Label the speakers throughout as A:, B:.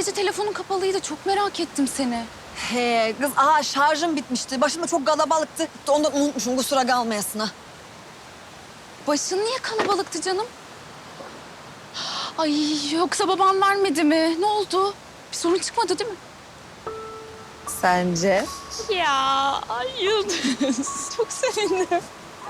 A: gece telefonun kapalıydı. Çok merak ettim seni.
B: He kız, şarjım bitmişti. Başımda çok kalabalıktı. Ondan unutmuşum, kusura kalmayasın ha.
A: Başın niye kalabalıktı canım? Ay yoksa babam vermedi mi? Ne oldu? Bir sorun çıkmadı değil mi?
B: Sence?
A: Ya ay Yıldız. Çok sevindim.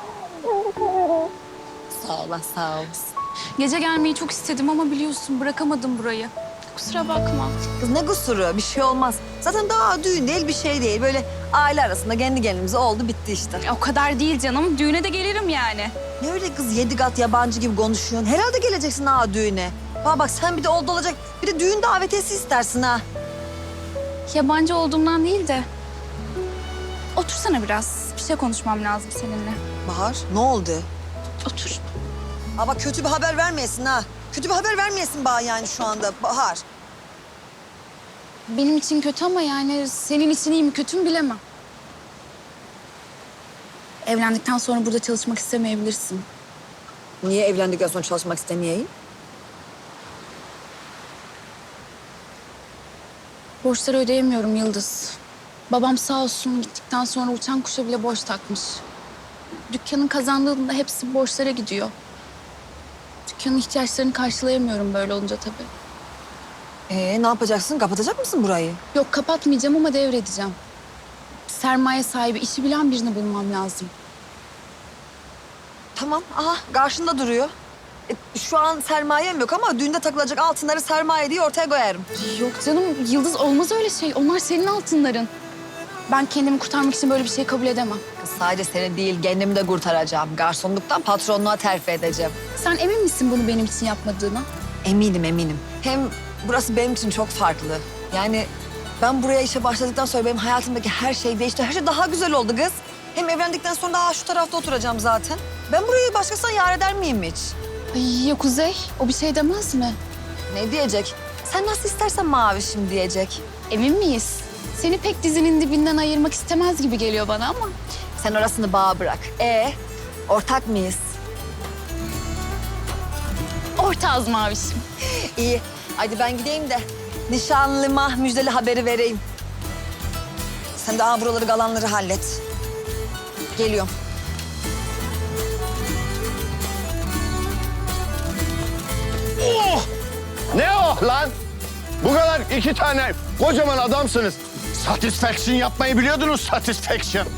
B: Sağ ol, sağ olasın.
A: Gece gelmeyi çok istedim ama biliyorsun bırakamadım burayı. Kusura bakma.
B: Kız ne kusuru, bir şey olmaz. Zaten daha düğün değil, bir şey değil. Böyle aile arasında kendi gelimiz oldu, bitti işte.
A: O kadar değil canım. Düğüne de gelirim yani.
B: Ne öyle kız, 7 kat yabancı gibi konuşuyorsun? Herhalde geleceksin düğüne. Bak sen bir de oldu olacak. Bir de düğün davetiyesi istersin ha.
A: Yabancı olduğumdan değil de. Otursana biraz. Bir şey konuşmam lazım seninle.
B: Bahar, ne oldu?
A: Otur.
B: Bak kötü bir haber vermeyesin ha. Kötü bir haber vermeyesin bana yani şu anda Bahar.
A: Benim için kötü ama yani senin için iyi mi kötü mü bilemem. Evlendikten sonra burada çalışmak istemeyebilirsin.
B: Niye evlendikten sonra çalışmak istemeyeyim?
A: Borçları ödeyemiyorum Yıldız. Babam sağ olsun gittikten sonra uçan kuşa bile borç takmış. Dükkanın kazandığında hepsi borçlara gidiyor. Dükkanın ihtiyaçlarını karşılayamıyorum böyle olunca tabii.
B: Ne yapacaksın? Kapatacak mısın burayı?
A: Yok kapatmayacağım ama devredeceğim. Sermaye sahibi, işi bilen birini bulmam lazım.
B: Tamam, karşında duruyor. Şu an sermayem yok ama düğünde takılacak altınları sermaye diye ortaya koyarım.
A: Yok canım Yıldız olmaz öyle şey. Onlar senin altınların. Ben kendimi kurtarmak için böyle bir şey kabul edemem.
B: Kız sadece seni değil, kendimi de kurtaracağım. Garsonluktan patronluğa terfi edeceğim.
A: Sen emin misin bunu benim için yapmadığına?
B: Eminim, eminim. Hem burası benim için çok farklı. Yani ben buraya işe başladıktan sonra benim hayatımdaki her şey değişti. Her şey daha güzel oldu kız. Hem evlendikten sonra daha şu tarafta oturacağım zaten. Ben burayı başkasına yar eder miyim hiç?
A: Ay ya Kuzey, o bir şey demez mi?
B: Ne diyecek? Sen nasıl istersen Mavişim diyecek.
A: Emin miyiz? Seni pek dizinin dibinden ayırmak istemez gibi geliyor bana ama.
B: Sen orasını bağa bırak. Ortak mıyız?
A: Ortağız Mavişim.
B: İyi. Hadi ben gideyim de nişanlıma müjdeli haberi vereyim. Sen de buraları kalanları hallet. Geliyorum.
C: Oh! Ne o lan? Bu kadar iki tane kocaman adamsınız. Satisfaction yapmayı biliyordunuz, satisfaction.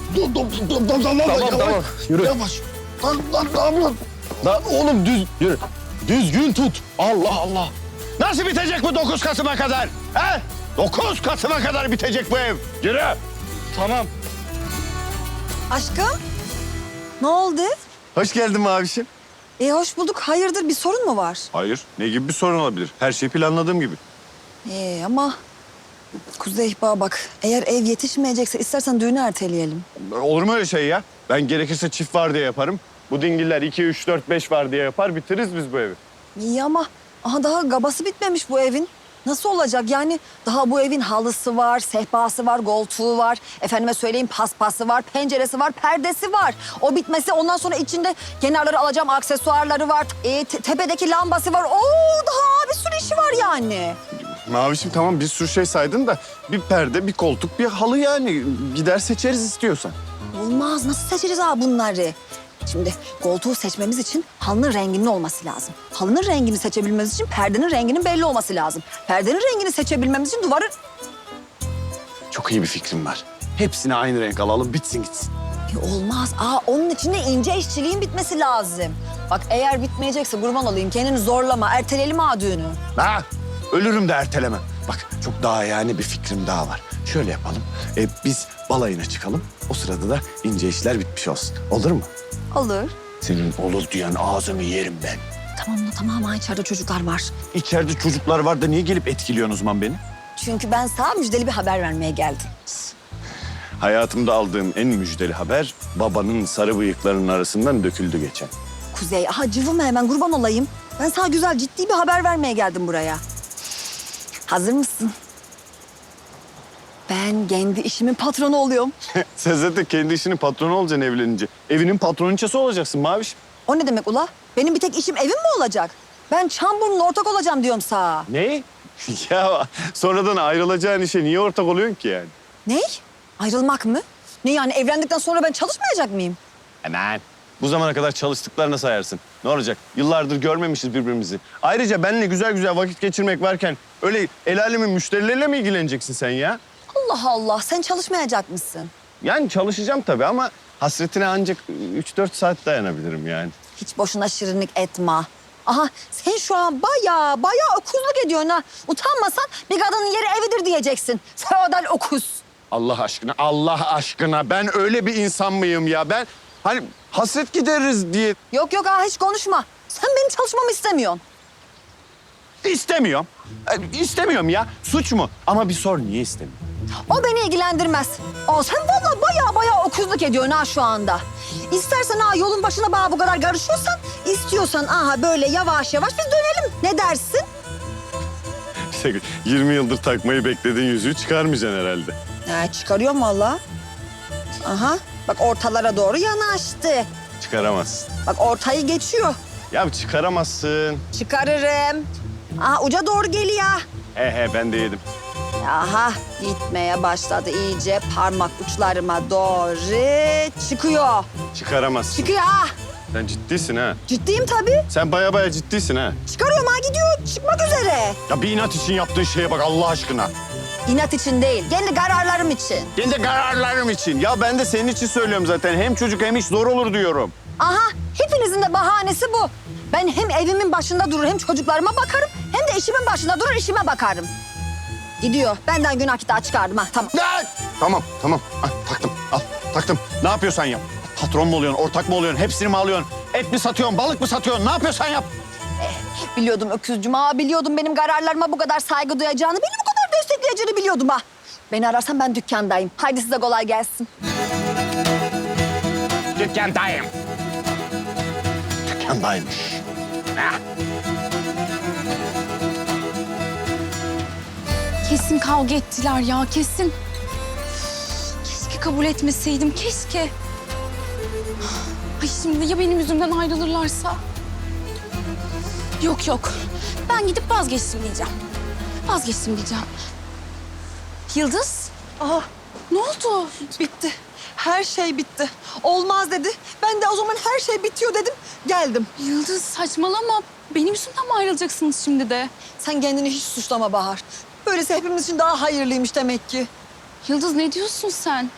C: Tamam, yürü.
D: Yavaş. Lan.
C: Lan oğlum yürü. Düzgün tut. Allah Allah. Nasıl bitecek bu 9 Kasım'a kadar? He? 9 Kasım'a kadar bitecek bu ev. Yürü.
D: Tamam.
B: Aşkım, ne oldu?
C: Hoş geldin Mavişim.
B: Hoş bulduk. Hayırdır, bir sorun mu var?
C: Hayır, ne gibi bir sorun olabilir? Her şey planladığım gibi.
B: Ama Kuzey bak, eğer ev yetişmeyecekse istersen düğünü erteleyelim.
C: Olur mu öyle şey ya? Ben gerekirse çift var diye yaparım. Bu dingiller 2, 3, 4, 5 var diye yapar, bitiririz biz bu evi.
B: İyi ama daha gabası bitmemiş bu evin. Nasıl olacak yani? Daha bu evin halısı var, sehpası var, koltuğu var. Efendime söyleyeyim paspası var, penceresi var, perdesi var. O bitmesi ondan sonra içinde kenarları alacağım aksesuarları var. Tepedeki lambası var. Daha bir sürü işi var yani.
C: Mavişim tamam bir sürü şey saydın da bir perde, bir koltuk, bir halı yani. Gider seçeriz istiyorsan.
B: Olmaz. Nasıl seçeriz bunları? Şimdi koltuğu seçmemiz için halının renginin olması lazım. Halının rengini seçebilmemiz için perdenin renginin belli olması lazım. Perdenin rengini seçebilmemiz için duvarın...
C: Çok iyi bir fikrim var. Hepsini aynı renk alalım, bitsin gitsin.
B: Olmaz. Onun için de ince işçiliğin bitmesi lazım. Bak eğer bitmeyecekse kurban olayım kendini zorlama. Erteleyelim düğünü.
C: Ha, ölürüm de ertelemem. Bak çok daha yani bir fikrim daha var. Şöyle yapalım. Biz balayına çıkalım. O sırada da ince işler bitmiş olsun. Olur mu?
B: Olur.
C: Senin olur diyen ağzını yerim ben.
B: Tamam. İçeride çocuklar var.
C: İçeride çocuklar var da niye gelip etkiliyorsun o zaman beni?
B: Çünkü ben sana müjdeli bir haber vermeye geldim.
C: Hayatımda aldığım en müjdeli haber babanın sarı bıyıklarının arasından döküldü geçen.
B: Kuzey, cıvıma hemen kurban olayım. Ben sana güzel, ciddi bir haber vermeye geldim buraya. Hazır mısın? Ben kendi işimin patronu oluyorum.
C: Sen zaten kendi işinin patronu olacaksın evlenince. Evinin patroniçesi olacaksın Maviş.
B: O ne demek ula? Benim bir tek işim evim mi olacak? Ben Çamburnu'na ortak olacağım diyorum sana.
C: Ne? Ya sonradan ayrılacağın işe niye ortak oluyorsun ki yani?
B: Ne? Ayrılmak mı? Ne yani evlendikten sonra ben çalışmayacak mıyım?
C: Hemen. Bu zamana kadar çalıştıklarına sayarsın. Ne olacak? Yıllardır görmemişiz birbirimizi. Ayrıca benimle güzel güzel vakit geçirmek varken öyle el alemin müşterileriyle mi ilgileneceksin sen ya?
B: Allah Allah, sen çalışmayacak mısın?
C: Yani çalışacağım tabii ama hasretine ancak 3-4 saat dayanabilirim yani.
B: Hiç boşuna şirinlik etme. Aha sen şu an bayağı okuzluk ediyorsun ha. Utanmasan bir kadının yeri evidir diyeceksin. Feodal okuz.
C: Allah aşkına ben öyle bir insan mıyım ya? Ben hani hasret gideririz diye
B: Yok ha hiç konuşma. Sen benim çalışmamı istemiyorsun.
C: istemiyorum. İstemiyorum ya. Suç mu? Ama bir sor niye istemiyorum?
B: O beni ilgilendirmez. Aa, sen vallahi bayağı okuzluk ediyorsun ha şu anda. İstersen ha yolun başına bana bu kadar karışıyorsan, istiyorsan aha böyle yavaş yavaş biz dönelim. Ne dersin?
C: 20 yıldır takmayı beklediğin yüzüğü çıkarmayacaksın herhalde.
B: Çıkarıyorum vallahi. Aha bak ortalara doğru yanaştı.
C: Çıkaramazsın.
B: Bak ortayı geçiyor.
C: Ya çıkaramazsın.
B: Çıkarırım. Aha uca doğru geliyor.
C: Ben de yedim.
B: Aha gitmeye başladı iyice parmak uçlarıma doğru çıkıyor.
C: Çıkaramazsın.
B: Çıkıyor ha.
C: Sen ciddisin ha.
B: Ciddiyim tabii.
C: Sen baya ciddisin ha.
B: Çıkarıyorum ha gidiyor çıkmak üzere.
C: Ya bir inat için yaptığın şeye bak Allah aşkına.
B: İnat için değil kendi kararlarım için.
C: Kendi kararlarım için. Ya ben de senin için söylüyorum zaten. Hem çocuk hem iş zor olur diyorum.
B: Aha hepinizin de bahanesi bu. Ben hem evimin başında durur hem çocuklarıma bakarım hem de işimin başında durur işime bakarım. Gidiyor. Benden günah kitap çıkardım ha. Tamam.
C: Tamam. Ah, taktım. Al, taktım. Ne yapıyorsan yap. Patron mu oluyorsun, ortak mı oluyorsun, hepsini mi alıyorsun? Et mi satıyorsun, balık mı satıyorsun? Ne yapıyorsan yap.
B: Biliyordum öküzcüm ha. Biliyordum benim kararlarıma bu kadar saygı duyacağını. Beni bu kadar destekleyeceğini biliyordum ha. Beni ararsan ben dükkandayım. Haydi size kolay gelsin.
C: Dükkandayım. Dükkandaymış.
A: Kesin kavga ettiler ya, kesin. Keşke kabul etmeseydim, keşke. Ay şimdi ya benim yüzümden ayrılırlarsa? Yok. Ben gidip vazgeçtim diyeceğim. Vazgeçtim diyeceğim. Yıldız,
B: Aha
A: ne oldu?
B: bitti. Her şey bitti. Olmaz dedi. Ben de o zaman her şey bitiyor dedim. Geldim.
A: Yıldız saçmalama. Benim yüzümden mi ayrılacaksınız şimdi de?
B: Sen kendini hiç suçlama Bahar. Böylesi hepimiz için daha hayırlıymış demek ki.
A: Yıldız ne diyorsun sen?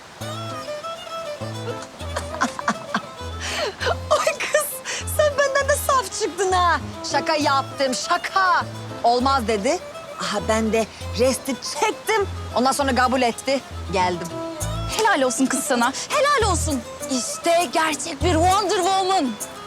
B: Ay kız sen benden de saf çıktın ha. Şaka yaptım şaka. Olmaz dedi. Aha ben de resti çektim. Ondan sonra kabul etti. Geldim.
A: Helal olsun kız sana. Helal olsun. İşte gerçek bir Wonder Woman.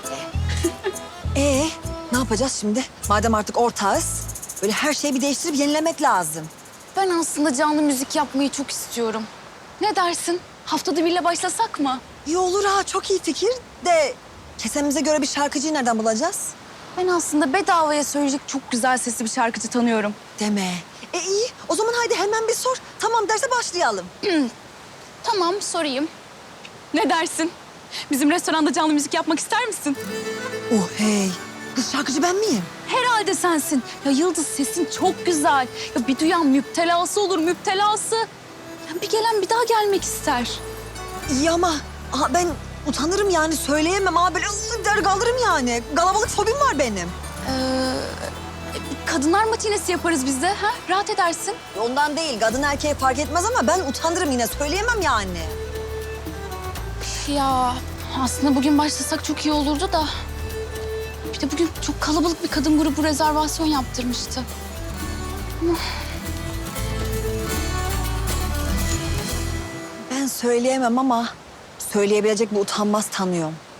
B: Ne yapacağız şimdi? Madem artık ortağız. Böyle her şeyi bir değiştirip yenilemek lazım.
A: Ben aslında canlı müzik yapmayı çok istiyorum. Ne dersin? Haftada birle başlasak mı?
B: İyi olur ha çok iyi fikir de kesemize göre bir şarkıcıyı nereden bulacağız?
A: Ben aslında bedavaya söyleyecek çok güzel sesli bir şarkıcı tanıyorum.
B: Deme. İyi o zaman haydi hemen bir sor. Tamam derse başlayalım.
A: Tamam, sorayım. Ne dersin? Bizim restoranda canlı müzik yapmak ister misin?
B: Oh hey. Kız şarkıcı ben miyim?
A: Herhalde sensin. Ya Yıldız sesin çok güzel. Ya bir duyan müptelası olur, müptelası. Ya bir gelen bir daha gelmek ister.
B: İyi ama ben utanırım yani söyleyemem abi. Böyle der kaldırırım yani. Kalabalık fobim var benim.
A: Kadınlar matinesi yaparız biz de. Ha? Rahat edersin.
B: Ondan değil kadın erkeğe fark etmez ama ben utanırım yine söyleyemem yani.
A: Ya aslında bugün başlasak çok iyi olurdu da. Bir de bugün çok kalabalık bir kadın grubu rezervasyon yaptırmıştı.
B: Ben söyleyemem ama söyleyebilecek bir utanmaz tanıyorum.